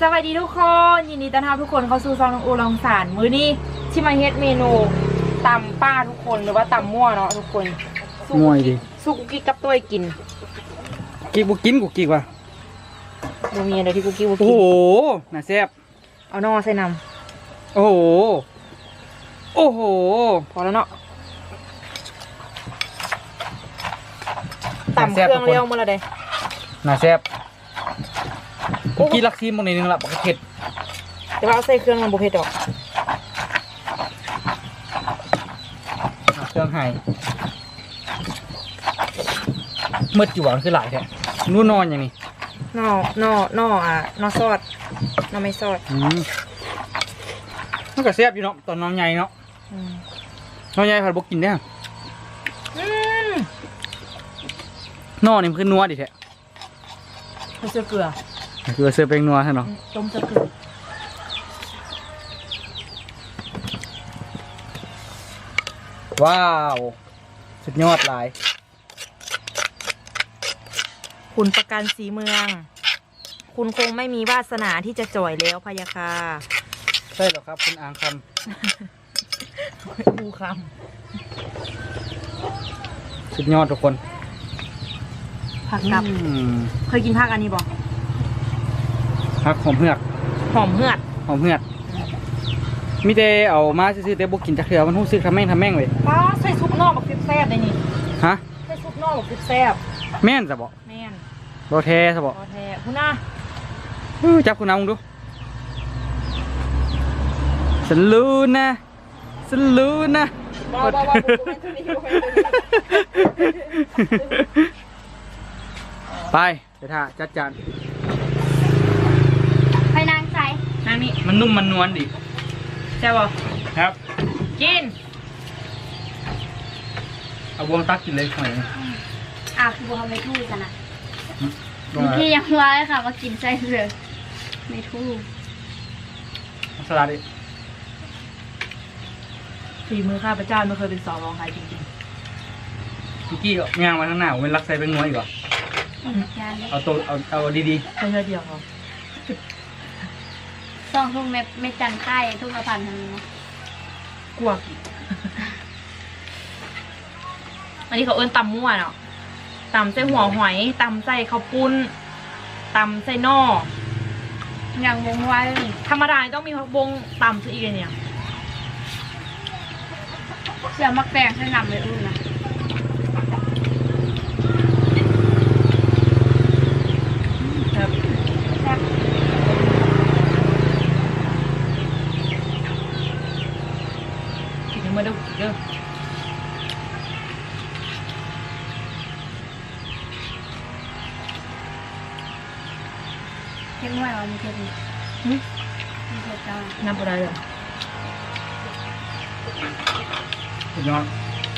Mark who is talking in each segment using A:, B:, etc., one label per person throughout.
A: สวัสดีทุกคนยินดีต้อนรับทุกคนเข้าสู่ซองน้องอูลองสารมื้อนี้ที่มาเฮ็ดเมนูตำป้าทุกคนหรือว่าตำมั่วเนาะทุกคน
B: มั่วดิ
A: สู้กุกกิ๊กกับตัวกิน
B: กินบุกินกูกินว่ะ
A: ดูมีอะไรที่กุกกิ๊กบุกิน
B: โอ้โหน่าแซ่บ
A: เอานอใส่น้
B: ำโอ้โหโอ้โห
A: พอแล้วเนาะตำเครื่องเรียวมาแล้วเด้
B: น่าแซ่บกูกินลักซีมบางนิดนึงละปกติเผ็ด
A: แต่ว่าเอาใส่เครื่องมันบุเผ็ดดอก
B: เครื่องไห้มืดอยู่หวังคือหลายแท้นู่นนอนอย่างนี้
A: นอซอสนอไม่ซอส
B: มันก็แซ่บอยู่เนาะตอนน้องใหญ่เนาะน้องใหญ่ผัดบกินได้นอนี่มันคือนัวดิแท้
A: เสื้อเกลือ
B: คือเสื้อเป็นนัวใช่เนาะ
A: ต้มเสื้อเกลือ
B: ว้าวสุดยอดหลาย
A: คุณประกันสีเมืองคุณคงไม่มีวาสนาที่จะจ่อยแล้วพะยาค่ะ
B: ใช่หรอครับคุณอ่างค
A: ำอูค
B: ำสุดยอดทุกคน
A: ผักกับเคยกินผักอันนี้บ่
B: ผักหอมเหือก
A: หอมเหือด
B: มีแต่เอามาซื้อแต่บุกินจากเถื่อมันหู้ซื้อทำแม่งเลย
A: ป้าใส่ซุปนอกแบบแซ่บเลยนี่
B: ฮะ
A: ใส่ซุปนอกแบบแซ่บ
B: แม่นจะบอก
A: แม่น
B: โรเทจะบอก
A: โรเทคุณน่ะ
B: จับคุณน้ำมึงดูฉันรู้นะฉันรู้นะไปเดี๋ยวท่าจัดจาน
A: ไปนางใส่นางนี่
B: มันนุ่มมันนวลดิ
A: ใช่ป่ะ
B: ครับ
A: กิน
B: เอาวงตักกินเลยหน่อย
C: คือบัวไม่ทู่กันนะพี่ยังว่าเลยค่ะมากินไส้เลยไม่ทู่
B: สลัดดิ
A: ฝีมือข้าพเจ้าไม่เคยเป็นสองรองใครจริง
B: ๆพี่กี้ก็ย่างมาข้างหน้าผมเป็นรักใส่เป็นนัวอีกเหรอเอาตัวเอาดี
A: ๆแค่เดียวเขา
C: ซองทุ่งไม่จันค่ายทุ่งละพันทางนี้นะ
A: กลัวอันนี้เขาเอิ้นตำมั่วเนาะตำใส่หัวหอยตำใส่ข้าวปุ้นตำใส่นอ
C: อย่างวงไว้
A: ธรรมดาต้องมีผักบงตำซะอีกเนี่ย
C: เสือมักแปลงให้นำเลยอุ่นนะ
A: มาดูเด้อ
C: เท่งว่ามีเท่งมีเท่งจ้า
A: น้ำปลาเลย
B: สุดยอด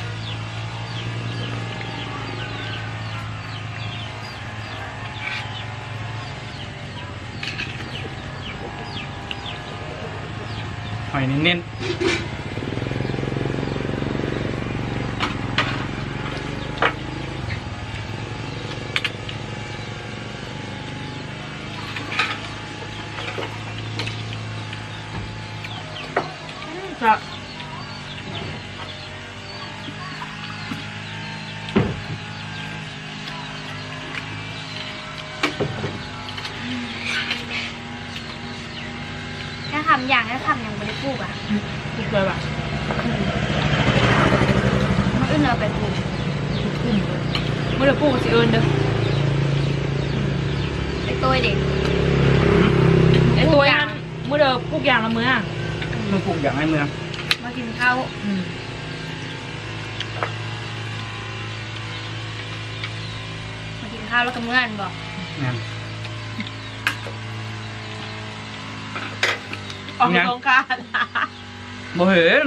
B: หอยเน้น
A: จะ
C: ถ้าทำอย่างไม่ได้พูดอ่ะ
A: พูดเลยป่ะ
C: มันอื่นเราไปพูด
A: เมื่อเดือนปูสิเอิญเด้อ
C: ไอตัวเด็ก
A: ไอตัวนั้นเมื่อเดือนปูอย่างละมื้อ
B: มันปลูกอย่างไรเมือง
C: มากินข้าวมากินข้าวแล้วก็เมื่อนบอก
A: ออกโรงการ
B: บ่เห็น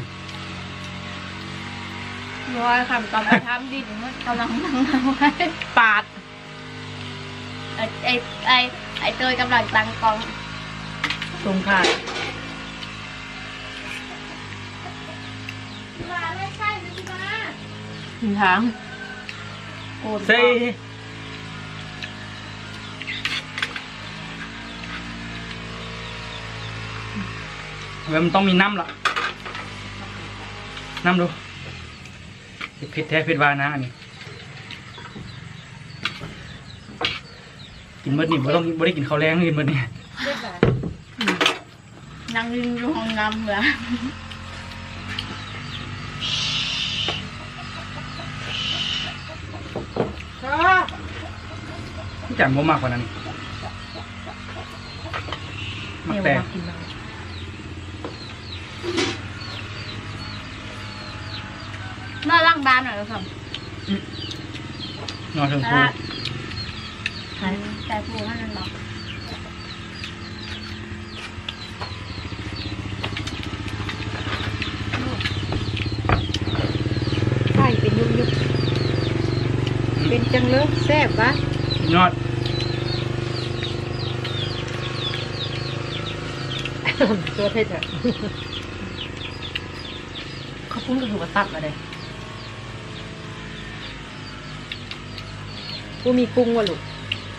C: ร้อยคำตอนไปทำดิมันกำลังนั่งไว้
A: ปาด
C: ไอเตยกำลังตั้งกอง
A: โรงการทาง
B: ใช่มันต้องมีน้ำละน้ำดูเผ็ดแท้เผ็ดหวานนะอันนี้กินเมื่อนี่ไม่ได้กินข้าวแรงกินเมื่อนี่
C: นั่งริมอยู่ห้องน้ำเหรอ
B: พี่แจ่มบ่มากกว่านั้นมักแต่
C: มาล้างบ้านหน่อยครับ
B: นอนถึงคู
C: แต่ปูให้มันบอก
A: ไข่เป็นยุบเป็นจังเลยแซ่บวะ
B: ยอด
A: ตัวเทศอ่ะเขาพุ่งก็คือว่าตัดมาเลยกูมีกุ้งวะลูก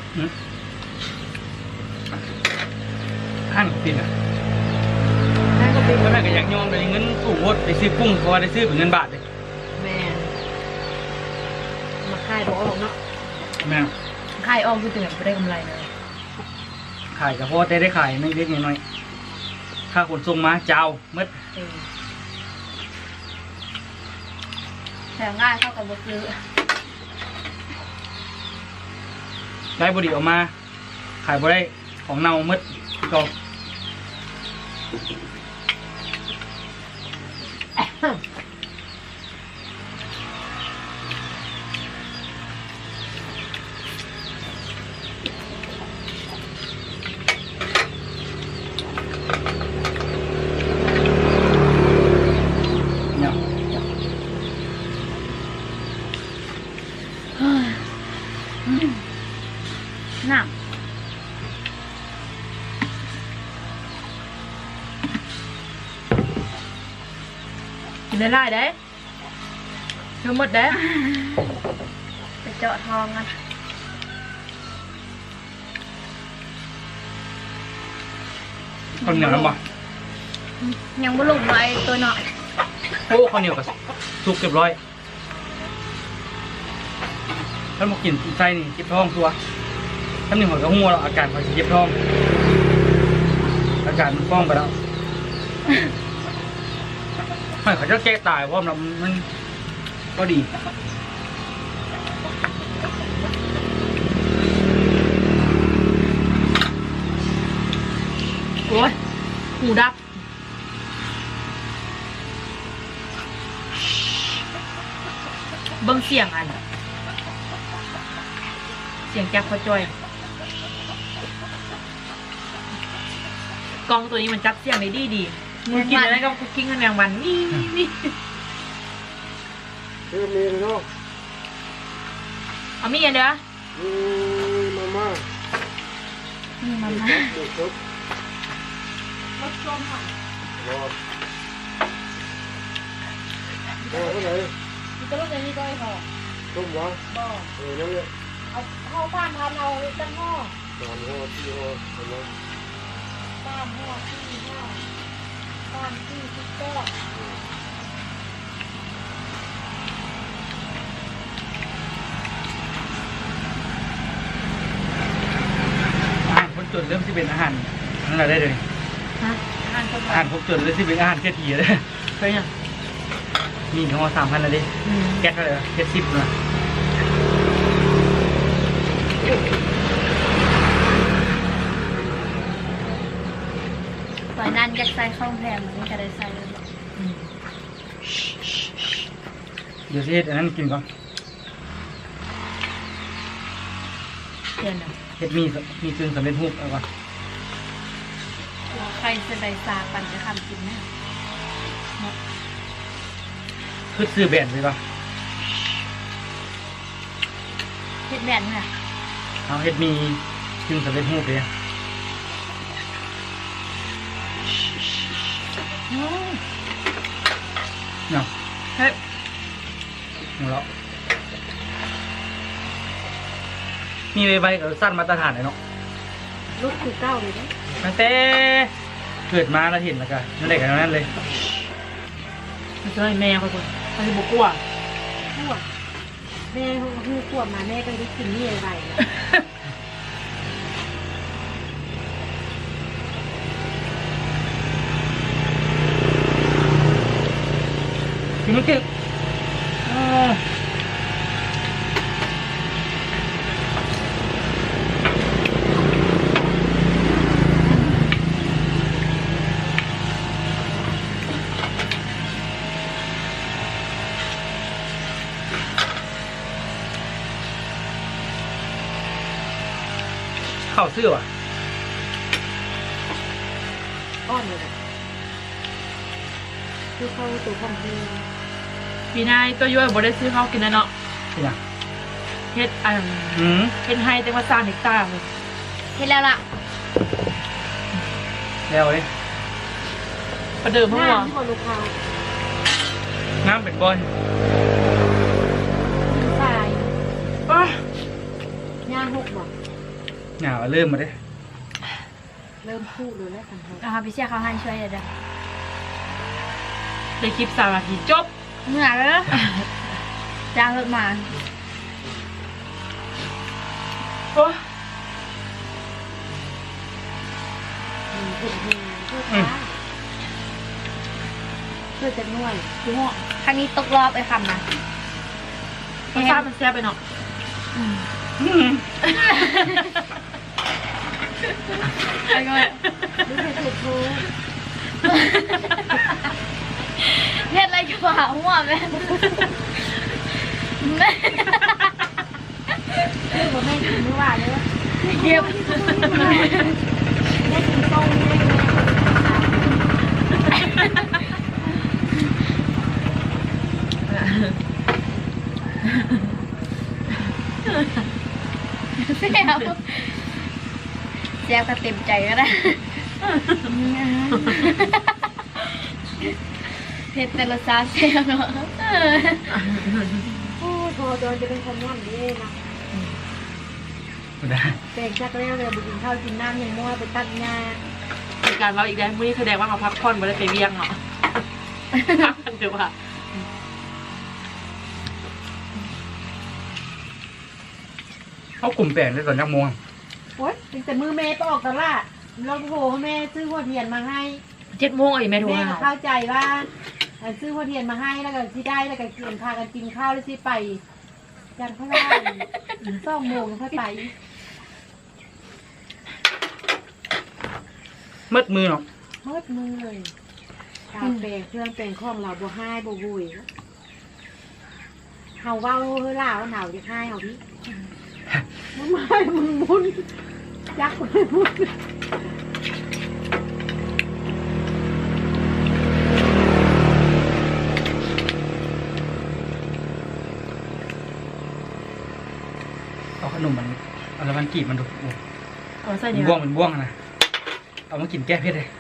B: หั่นของพี่น่ะ
A: นั่นก็เป็น
B: แล้วแม่ก็อยากยอมเลยเงินถูกหมดไปซื้อกุ้งเพราะว่าได้ซื้อเป็นเงินบาทเลย
A: แม่มาขายบอกออกเนาะ
B: แม่
A: ขายออกคือถึงไม่ได้กำไรเลย
B: ขายกับพ่อได้ขายไม่เล็กน้อยๆค่าขนส่งมาเจ้าเมื่อ
C: แถมง่ายเข้ากับบซื้อ
B: ได้บดีออกมา ขายบ่ได้ของเน่าเมื่อก็ เนี่ย
C: หนัก
A: กินได้ได้เด้เธอหมดเด้
C: ไปเจาะทองกัน
B: ข้าวเหนียวน้ำบ่
C: ยังบ่ลงไว้ตัวหน่อย
B: โอ้ข้าวเหนียวกับสุกเรียบร้อยท่านบอกกินไส้นี่เจ็บท้องตัวท่านหนึ่งหัวกระหัวเราอาการพอจะเจ็บท้อง อาการมันฟ้องไปแล้วไม่เขาจะแก้ตายเพราะมันก็ดี
A: โอ้ยหูดับเบิ้งเสียงอันเสียงแก๊กพอจอยกองตัวนี้มันจับเสียงได้ดีมึงกินอะไรก็คุกกิ้งกันแมงวันนี่
D: คือมีเนาะ
A: เอามีอันเด้อ
D: มาม่า
C: นี่มันมา
D: เด็กครับ
A: รสส้มค่ะ
D: รอเท่าไหร่
A: มีตัวรสนี้ด้วยค่ะ
D: ต้มวะ
A: บ่
D: นั่นแหละ
A: เอาข้าวฟ่านทานเอาตั้งห่อ
D: 3 ห่อ4 ห่อเห็นไหม
A: ฟ่านห่อที่ห่อฟ่านที่ทุกแก้ว
B: อาหารคนจนเริ่มที่เป็นอาหารนั่นแหละได้เลย
A: ฮะอาหารคน
B: อาหารคนจนเริ่มที่เป็นอาหารแค่ทีเลย
A: เคยยัง
B: มีห่อ3,000นะดิแก๊สเท่าไหร่แก๊ส10นะ
C: ปล่อยนั่นอยากใส่ข้าวแพงมันก็ได้ใส่เลย
B: เดี๋ยวสิอันนั้นกินก่อน
A: เดือนน่ะ
B: เฮ็ดมีซึ่งสำเร็จรูปเอาก่อน
C: ใครจะได้ซาปันจะทำกินนะ
B: คือซื้อแบรนด์ไปป่ะ
C: เฮ็ดแบนเนี่ย
B: เอาเฮ็ดมีซึ่งสำเร็จรูปเลยเนาะ
A: เฮ้ย
B: หัวเราะมีใบกับสั้นมาตรฐานเลยเนาะ
A: ลูกคือเก้าเลยนะ
B: ตั้งแต่เกิดมาแล้วเห็นแล้วก็นั่นแหละกันนั่นเลย
A: มันจะให้แม่เขาคนเขาจะบอกกลัว
E: ขวดแม่เขาคือขวดมาแม่ก็ได้กินนี่อะไรนะ
B: คือมันเก็บเข้าเสื้อว่ะ
E: อ้อนเลยนะคือเข้าตัวของพี่
A: ปีหน้าตัวย้อยบ่ได้ซื้อข้าวกินนะเนาะ
B: ที่ไหน
A: เฮ็ด
B: อืม
A: เฮ็ดให้แต่ว่าสร้างเฮกตาร์เลย
C: เห็นแล้วล่ะ
B: แล้วเลย
A: ประเดิมเมื่อ
E: หน้าว
A: าน
E: ที่คนลูกค้า
B: น้ำเป็นบอล
E: ชาย
A: อ้า
E: ย่างหกบอก
B: หนาวเริ่มมาได้
E: เริ่มพูดเลยแล้วกันเขา
C: นะคะพี่เชี่ยเขาให้ช่วยเดี๋ยว
A: ได้คลิป3 นาทีจบ
C: เหนื่อยแล้วจ้างรถมา
A: โอ้
E: เพื่อนเพื่อนค้าเพื่อจะนวด
A: ดูหัว
C: ครั้งนี้ตกรอบไอ้คำนะ
A: รสชาติมันแซ่บไปเนาะ
C: ไอ้ก็
E: นี่เป็นสุดโทษ
C: เฮ็ดอะไรจะมาหาหัวแม่แม่
E: คือว่าแม่กินไม่ว่าเลยว่า
C: เก็บ
E: แม่กินต้มแม่
C: เสียบเสียบก็เต็มใจก็ได้เผ็ดแต่ละซาเสียบเนาะ
E: โอ้โทโดนจะเป็นคนนวดดีนะ
B: ไม่ได้
E: แต่งจากแล้วเลยไปกินข้าวกินน้ำยังมั่วไปตัดหญ้า
A: มีการเราอีกแล้วมื้อนี้แสดงว่าเขาพักผ่อนบ่ได้ไปเวียงเนาะพักกันเดี๋ยวว่า
B: เขากลุ่มแปลงได้ตอนยักโมง
E: โอ๊ยตั้งแต่มือแม่ไปออกตลาดเราโทรให้แม่ซื้อหัวเทียนมาให้
A: 7 โมงไอ้แม่โทร
E: แม่
A: หา
E: ก็เข้าใจว่าซื้อหัวเทียนมาให้แล้วก็ที่ได้แล้วก็กินพากันกินข้าวแล้วที่ไปจันทร์พระราช2 โมงค่อยไป
B: มืดมือเนาะ
E: เฮิดมือเลยตาแปลงเครื่องแปลงของเราบ่ให้บ่บุยเฮาเว้าเฮ้ยล่าว่าหนาวจะให้เฮาพี่มันไม่มึงมุนยักษ์เลยมุน
B: เอาขนมมันเอาแล้วมันกีบมันดูโอ้
A: เอาใส่
B: เป็
A: นี่
B: นบ้วงเป็นบ้วงอะนะเอามากินแก้เผ็ดเลย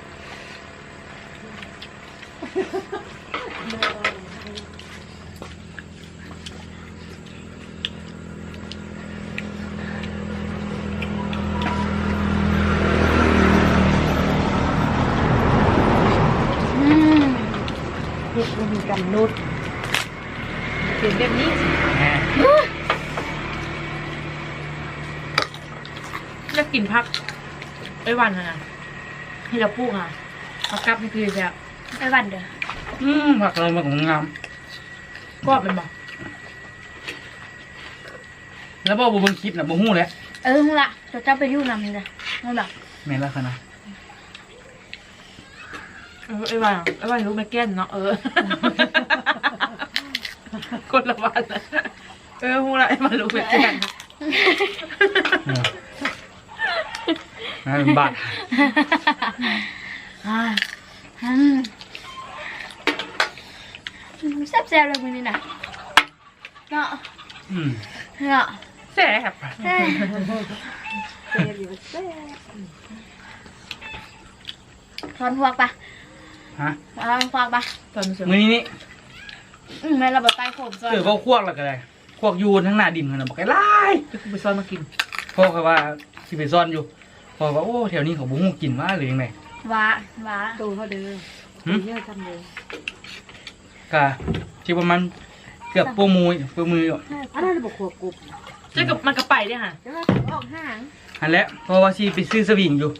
E: เฮ็ดบ่มีกำหนดเป็นแบบนี้
B: แหม
A: แล้วกินพักไอ้วันน่ะให้เราปลูกอ่ะพักกับนี่คือแบบ
C: ไปวันเด้อ
B: ผักอะไรมาของงาม
A: กรอบเป็นบ่
B: แล้วบ่เบิ่งคลิปน่ะบ่ฮู้แหละ
C: มึงละจะจับไปยุ่งนำมึงเลยมึงละ
B: แม่นแล้วค่ะนะ
A: ไอ้วันรู้ไม่แก้นเนาะคนละวันนะฮู้ละไอ้วันรู้ไม่แก้น
B: น่าเป็นบาท
C: แซ่บๆเลยมึงนี่นะเนาะ
B: อืม
C: เนาะ
A: แซ่บ
C: แซ่บ
E: เซ่อยู่เซ่
C: ถอนพวกปะ
B: ฮะ
C: ถอนพวกปะ
A: ตอนนี้
B: มื้อนี้นี่
C: แม่เราแบบใต้ผมซอย
B: เขาควกแล้วก็ได้ควกยูนทั้งหน้าดินกันนะบอกไอ้ไล่
A: จะคุณไปซ้อนมากิน
B: พ่อเขาว่าสิไปซ่อนอยู่พ่อว่าโอ้แถวนี้เขาบ่ฮู้กินว่าหรือยังไง
C: ว้า
E: โตเขาเด้อเยอะทำเลย
B: กะที่ประมาณเกือบปูมืออยู่
E: อันนั้นบอกขวบกรุบ
A: เจ้ากับมันกระไปเนี่ยค่ะ
E: แล้วออกห่าง
B: อันแล้วเพราะว่าชีไปซื้อสวิงอยู่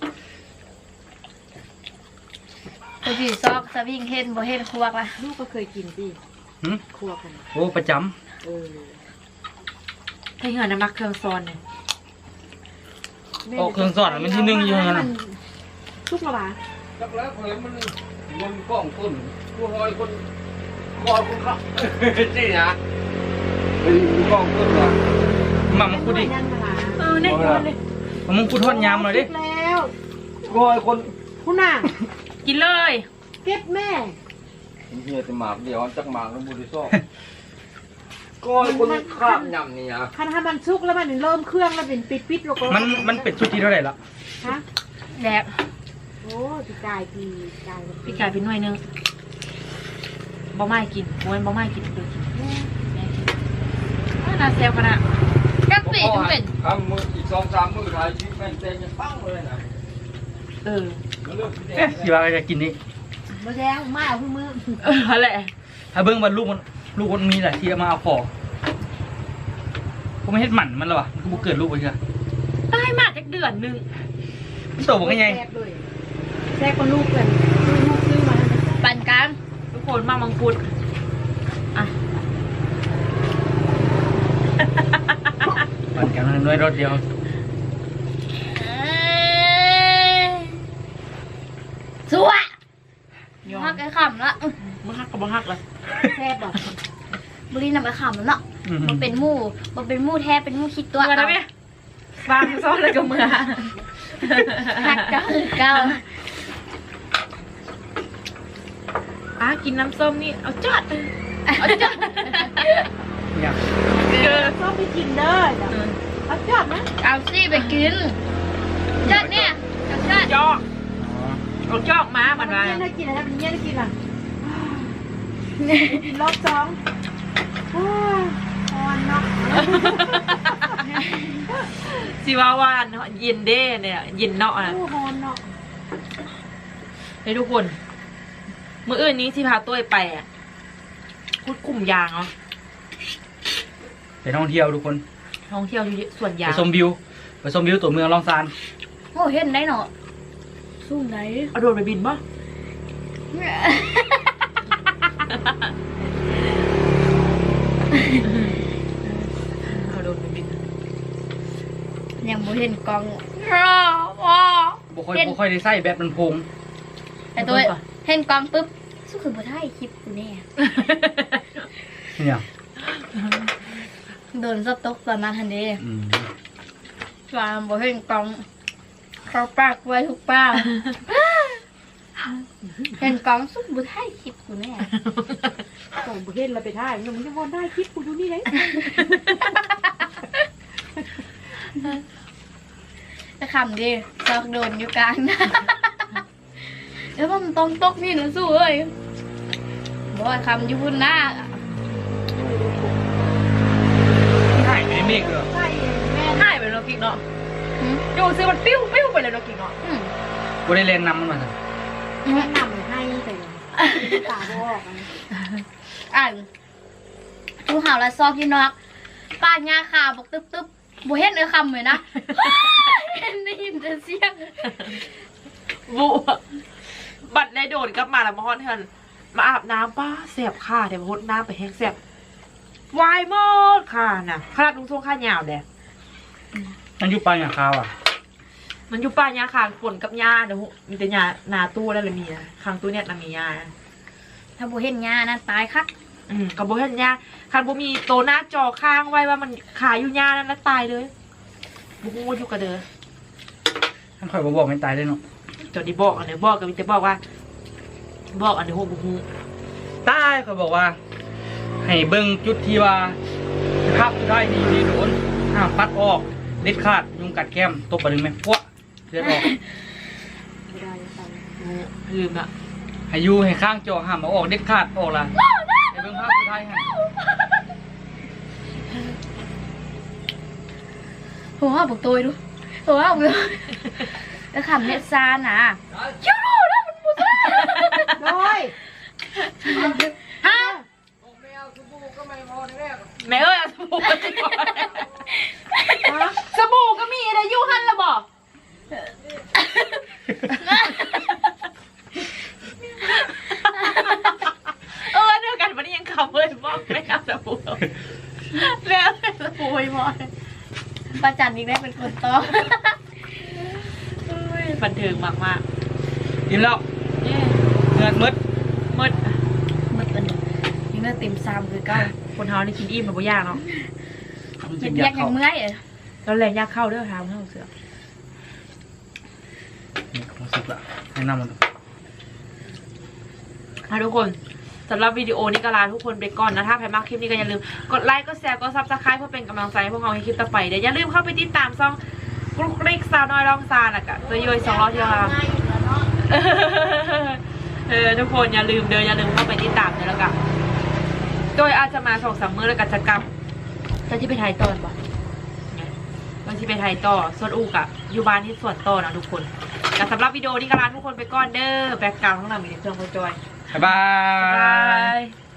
C: ตัวที่ซอกสวิงเห็นบ่เห็นครัวละ
E: ลูกก็เคยกินสิ
B: หึ
E: ครัวกัน
B: โอ้ประจ
A: ถ้าเหือน้ำมักเครื่องซอนเนี่ย
B: ำโอ้เครื่องสอดมันที่หนึ่งอยู่นั่นน่ะ
E: ทุกระบา
D: จักแล้วคนมันมันกล้องคนผู้ลอยคนลอยคนขับนี่นะไอ้กล้องคนว่ะ
B: มามึงพูดดิ
E: ยังมา
A: เนี่ย
B: มามึงพูดทอดยำหน่อยดิ
E: แล้ว
D: ลอยคน
E: คุณน่ะ
A: กินเลย
E: เก็บแม่
D: เฮียแต่หมากเดียวจักหมากแล้วบุรีซ่อก้อยคนข้ามยำนี่นะ
E: คันถ้ามันชุกแล้วมันเริ่มเครื่องแล้วเป็นปิดๆแล้วก็
B: มันเป็นชุดที่เท่าไหร่ละ
E: ฮะ
C: แดก
E: โอ้ปีกายปีกาย
A: พี่กายเป็นหน่วยนึงบ่ไม่กินโอ้ยบ่ไม่กินเลยกินแม่กินน่าเซลกันอะ
C: กักปีถึงเป็น
D: ทำมืออีก2-3มือถ่ายชีวิตแม่งเต็มยังปั้งเลยนะ
A: เออ
D: มันเริ่มสีแด
B: เอ๊ะ
D: ง
B: สิว่าจะกินนี่
E: มาแดงมาเอาพี่มือ
A: อะไร
B: ถ้าเบิ้งว่าลูกมันมีแหละที่เอามาเอาของผมไม่เฮ็ดหมันมันหรอวะมันก็บ่เกิดลูกไปเชื่อ
A: ตายมากจักเดือนหนึง
B: มันโตบอกไง
E: แซ่บด้วยแซ่บกว่าลูกกันลูกซื้อมา
C: ปันกัน
A: ทุกคนมามังคุดอ่ะ
B: ปั่นกันด้วยรถเดียว
C: สวย
A: ยอ
C: ฮั
A: ม
C: กไอ้ขำละ
A: บ่ฮักกับบ่ฮักเลย
E: แซ่บบอก
C: บุรีนำไอ้ขำแล้วเนาะมันเป็นหมู่แท้เป็นหมู่คิดตัว
A: เมื่อนะแม่วางซ้อนเลยกับเมื่อ
C: ฮักก็คือเก่า
A: กินน้ำส้มนี่เอาจอดเอาจอด
B: เนี่ย
A: เกิน
E: ชอบไปกินเด้อเอาจอดนะ
C: เอาซี่ไปกินจัดเนี่ยจัด
A: จอกเอาจอกมามันมา
E: เนี่ยได้กินอะไรเนี่ยได้กินอ่ะกินรอบสองอ่อนเนาะ
A: สิว่าว่าเนาะเย็นเด้เนี่ยเย็นเนาะนะ
E: โอ้ฮอนเนาะ
A: ให้ทุกคนมื้ออื่นนี้ที่พาตุ้ยไปอ่ะคุดกลุ่มยางเนาะ
B: ไปท่องเที่ยวทุกคน
A: ท่องเที่ยวอยู่ส่วน
B: ไป
A: ยาง
B: ชมวิวตัวเมืองลองซาน
C: โอ้เห็นได้เนาะสู้ไหน
A: เอาโดรนไปบินป่ะเอาโดรนไปบิน
C: ยังบ่เห็นกล้องว้า
B: บ่ค่อยได้ใส่แบบมันพง
C: แต่ตัวเห็นกล้องปุ๊บสู้คือบ่ได้คลิปกูแน่
B: เนี่ย
C: โดนสต๊อกตอนนั้นทันเดี
B: อืม
C: ว่าบ่เห็นกล้องเขาปากไว้ทุกป้าเห็นกล้องสู้บ่ได้คลิปกูแน่
E: ก่อนบุเห็นเราไปท่ายมันจะวนได้คลิปกูดูนี่เลย
C: จะขำดิซอกโดนอยู่กลางหน้าแล้วมันต้องตกนี่นะสู้เอ้ยบ่ว่าคำอยู่พุ่นหน้า
B: ถ่ายไม่ได้เมฆเลย
E: ใช่แม่
A: หายไปแล้วกิ๊กเนาะดูซิมันปิ้วไปเลยเนาะกิ๊กเนาะ
B: บ่ได้เล่นน้ำมันมาสิ
E: แนะนำให้แต่ตาบอกอันนี้
C: อ่านทูเห่าและซอกที่นอกป้าหญ้าขาวบอกตึ๊บบ่เห็นคำเลยนะเห็นได้ยินแต่เสียง
A: บูบัดได้โดนกลับมาแล้วมาฮอนเฮินมาอาบน้ำป้าเสียบค่ะเดี๋ยวพดน้ำไปแห้งเสียบวายหมดค่ะน่ะขนาดลุงทรงข้ายาวเด้
B: มันอยู่ปลายอย่างคาวอ่ะ
A: มันอยู่ป่าหญ้าคางฝนกับหญ้าเดี๋ยวมีแต่หญ้านาตู้แล้วเลยมีนะคางตู้เนี่ยน่ะมีหญ้า
C: ถ้าบ่เห็นหญ้านั่นตายคัก
A: กับโบเห็นหญ้าคันโบมีโตหน้าจอข้างไว้ว่ามันขายอยู่หญ้านั่นแล้วตายเลยบุกงูอยู่กับเด้อ
B: ท่านคอยบอกไม่ตายเลยเนาะ
A: จอดีบอกอันเนี้ยบอกกับมิจะบอกว่า บอกอันเนี้ยโหบุกงู
B: ตายเขาบอกว่า ให้เบิ่งจุดที่ว่าภาพได้ดีโดนห้ามปัดออกเด็ดขาดยุงกัดแก้มตบไปหนึ่งไหมพวกเลือดออก
E: ไม่ได้ไป
A: ลืมละ
B: ให้อยู่ให้ข้างจอห้ามเอาออกเด็ดขาดออกละให้เบิ่งภาพสุดท้ายให้
C: หัวบอกตัวดูหัวบอกตัวแล้วขำเน็ตซาน่ะชิว
E: อ้ย
C: ฮะ
D: ไม่เอาสบู่ก็ไม่พอแน่
A: แม่เอ้ยเอาสบู่มาสิก่อน
E: ฮะ
A: สบู่ก็มีอะไรอยู่หันละบอกเดียวกันวันนี้ยังขับเลยบอกไม่เอาสบู่แล้วสบู่ไม่พอ
C: ประจันอีกได้เป็นคนต่อ
A: บันเทิงมากมาก
B: กินแล้ว
A: ๆเนี่ย
B: เงินมืด
A: มืด
C: มืดอันนี้
A: ยังน่าเต็มซ้ำคือเก้าคนเฮานี่กินอิ่มมันบ่ยากเนาะ
C: เห็นแยกยังเมื่อย
A: แล้วแรงยากเข้าเด้อทางเข้าเสือ
B: นี่ความสุขละให้น้ำมัน
A: ทุกคนสำหรับวิดีโอนี้ก็ลาทุกคนไปก่อนนะถ้าใครมักคลิปนี้ก็อย่าลืมกดไลค์กดแชร์กดซับสไครป์เพื่อเป็นกำลังใจให้พวกเราให้คลิปต่อไปเดี๋ยวอย่าลืมเข้าไปติดตามช่องกรุ๊กริกสาวน้อยร้องซาน่ะกะตัวย่อย200ที่เราทุกคนอย่าลืมอย่าลืมเข้าไปติดตามเลยแล้วกันโดยอาจจะมา2-3 มื้อแล้วก็จะกลับจะที่ไปไทยตอนบ่ก็ที่ไปไทยต่อส่วนอูกอะอยู่บ้านที่สวนต่อนะทุกคนแต่สำหรับวิดีโอนี้ก็ลาทุกคนไปก่อนเด้อแบ็คกราวด์ข้างหลังมีเครื่องโปรจอย
B: บ๊ายบา
A: บาย ย